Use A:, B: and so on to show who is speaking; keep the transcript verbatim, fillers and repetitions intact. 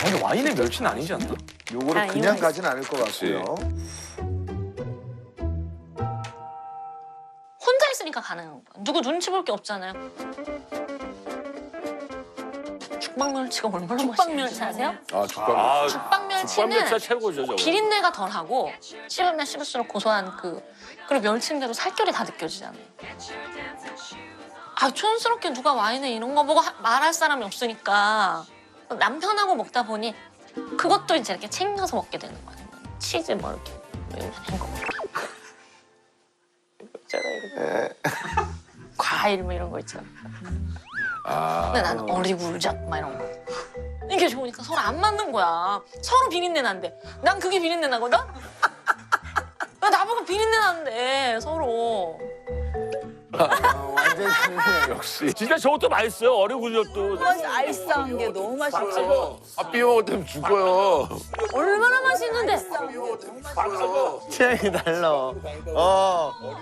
A: 근데 와인에 멸치는 아니지 않나?
B: 요거를
C: 아,
B: 그냥
C: 이거-
B: 가진 않을 것 같고요.
C: 혼자 있으니까 가능한 거야. 누구 눈치 볼 게 없잖아요. 죽방멸치가 얼마나 맛있어요? 죽방멸치 아세요?
D: 아 죽방.
E: 아,
C: 죽방멸치는
E: 죽방멸치가 최고죠, 저거.
C: 비린내가 덜하고 씹으면 씹을수록 고소한 그 그리고 멸치인데도 살결이 다 느껴지잖아요. 아 촌스럽게 누가 와인에 이런 거 보고 하- 말할 사람이 없으니까 남편하고 먹다 보니 그것도 이제 이렇게 챙겨서 먹게 되는 거예요. 치즈 뭐 이렇게 이런 거 있잖아요. 과일 뭐 이런 거 있잖아.
D: 아.
C: 근데 나는 어리굴젓 막 이런 거. 이게 좋으니까 서로 안 맞는 거야. 서로 비린내 난대. 난 그게 비린내 나거든? 왜 나보고 비린내 나는데 서로.
B: 어, 완전 신기해요.
D: 역시.
E: 진짜 저것도 맛있어요. 어리굴젓도.
F: 알싸한 게 너무 맛있죠.
D: 아 비 먹을 때면 죽어요.
C: 얼마나 맛있는데.
A: 취향이 달라. 어.